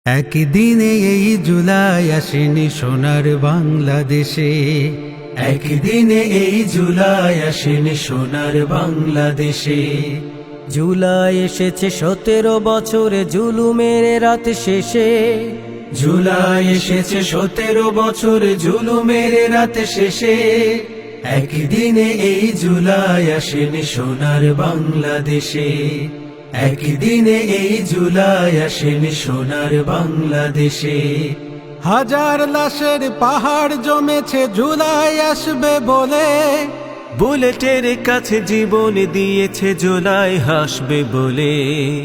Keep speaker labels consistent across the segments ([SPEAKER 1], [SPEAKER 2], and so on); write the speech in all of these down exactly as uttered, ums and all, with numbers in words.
[SPEAKER 1] একদিনে এই জুলাই আসেনি সোনার বাংলাদেশে, একদিনে এই জুলাই আসেনি সোনার বাংলাদেশে।
[SPEAKER 2] জুলাই এসেছে সতেরো বছরে জুলুমের রাত শেষে,
[SPEAKER 1] জুলাই এসেছে সতেরো বছর জুলুমের রাত শেষে। একদিনে এই জুলাই আসেনি সোনার বাংলাদেশে, একদিনে এই জুলাই আসেনি সোনার বাংলাদেশে। হাজার লাশের পাহাড় জমেছে জুলাই আসবে বলে,
[SPEAKER 2] বুলেটের কাছে জীবন দিয়েছে জুলাই হাসবে বলে।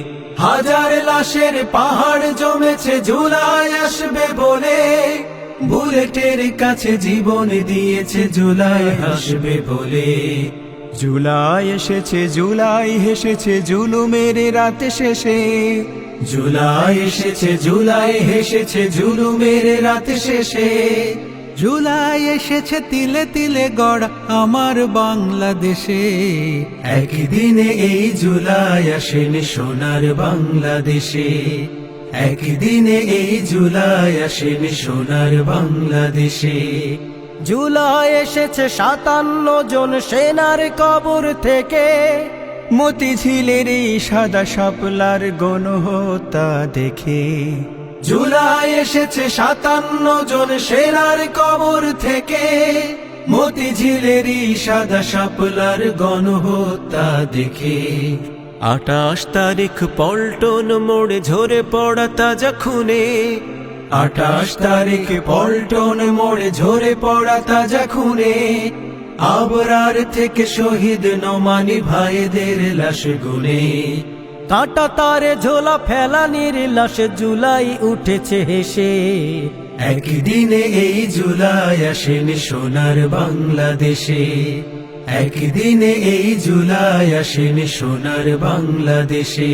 [SPEAKER 1] হাজার লাশের পাহাড় জমেছে জুলাই আসবে বলে, বুলেটের কাছে জীবন দিয়েছে জুলাই হাসবে বলে।
[SPEAKER 3] জুলাই এসেছে জুলাই হেসেছে জুলুমের রাত শেষে,
[SPEAKER 1] জুলাই এসেছে জুলাই হেসেছে জুলুমের রাত শেষে। জুলাই এসেছে তিলে তিলে গড়া আমার বাংলাদেশে, একদিনে এই জুলাই আসেনি সোনার বাংলাদেশে, একদিনে এই জুলাই আসেনি সোনার বাংলাদেশে।
[SPEAKER 2] জুলাই এসেছে সাতান্ন জন সেনার কবর থেকে,
[SPEAKER 3] মতিঝিলের এই সাদা শাপলার গণহত্যা দেখে।
[SPEAKER 1] জুলাই এসেছে সাতান্ন জন সেনার কবর থেকে, মতিঝিলেরই সাদা শাপলার গণহত্যা দেখে।
[SPEAKER 2] আটাশ তারিখ পল্টন মোড়ে ঝরে পড়া তাজা খুনে,
[SPEAKER 1] আঠাশ তারিখ পল্টন মোড়ে ঝরে পড়া তাজা খুনে। আবরার থেকে শহীদ নোমানি ভাইদের লাশ গুনে,
[SPEAKER 2] কাঁটা তারে ঝোলা ফেলানির লাশে জুলাই উঠেছে হেসে।
[SPEAKER 1] একদিনে এই জুলাই আসেনি সোনার বাংলাদেশে, একদিনে এই জুলাই আসেনি সোনার বাংলাদেশে।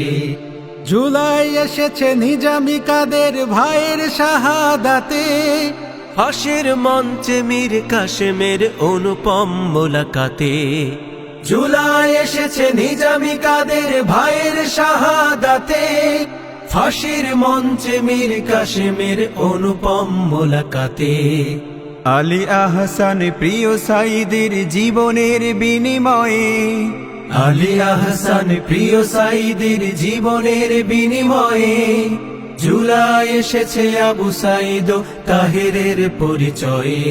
[SPEAKER 1] জুলাই এসেছে নিজামি কাদের ভাইয়ের শাহাদাতে,
[SPEAKER 2] ফাঁসির মঞ্চে মীর কাশেমের অনুপম মোলাকাতে।
[SPEAKER 1] জুলাই এসেছে নিজামি কাদের ভাইয়ের শাহাদাতে, ফাঁসির মঞ্চে মীর কাশেমের অনুপম মোলাকাতে।
[SPEAKER 3] আলী আহসান প্রিয় সাইদের জীবনের বিনিময়ে,
[SPEAKER 1] আলী আহসান প্রিয় সাইদের জীবনের বিনিময়ে। জুলাই এসেছে আবু সাইদ তাহেরের পরিচয়ে,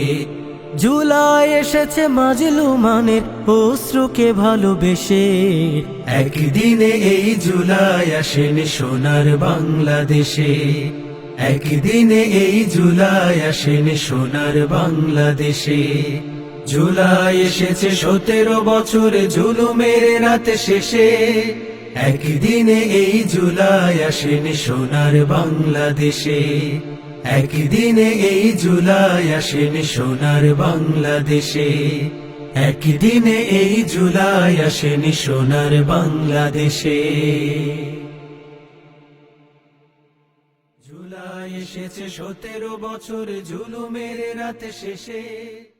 [SPEAKER 2] জুলাই এসেছে মাজলুমানের অশ্রুকে ভালোবেসে।
[SPEAKER 1] একদিনে এই জুলাই আসেনি সোনার বাংলাদেশে, একদিনে এই জুলাই আসেনি সোনার বাংলাদেশে। জুলাই এসেছে সতেরো বছর জুলুমের রাত শেষে, একদিনে এই জুলাই আসেনি সোনার বাংলাদেশে, একদিনে এই জুলাই আসেনি সোনার বাংলাদেশে, একদিনে এই জুলাই আসেনি সোনার বাংলাদেশে। জুলাই এসেছে সতেরো বছর জুলুমের রাত শেষে।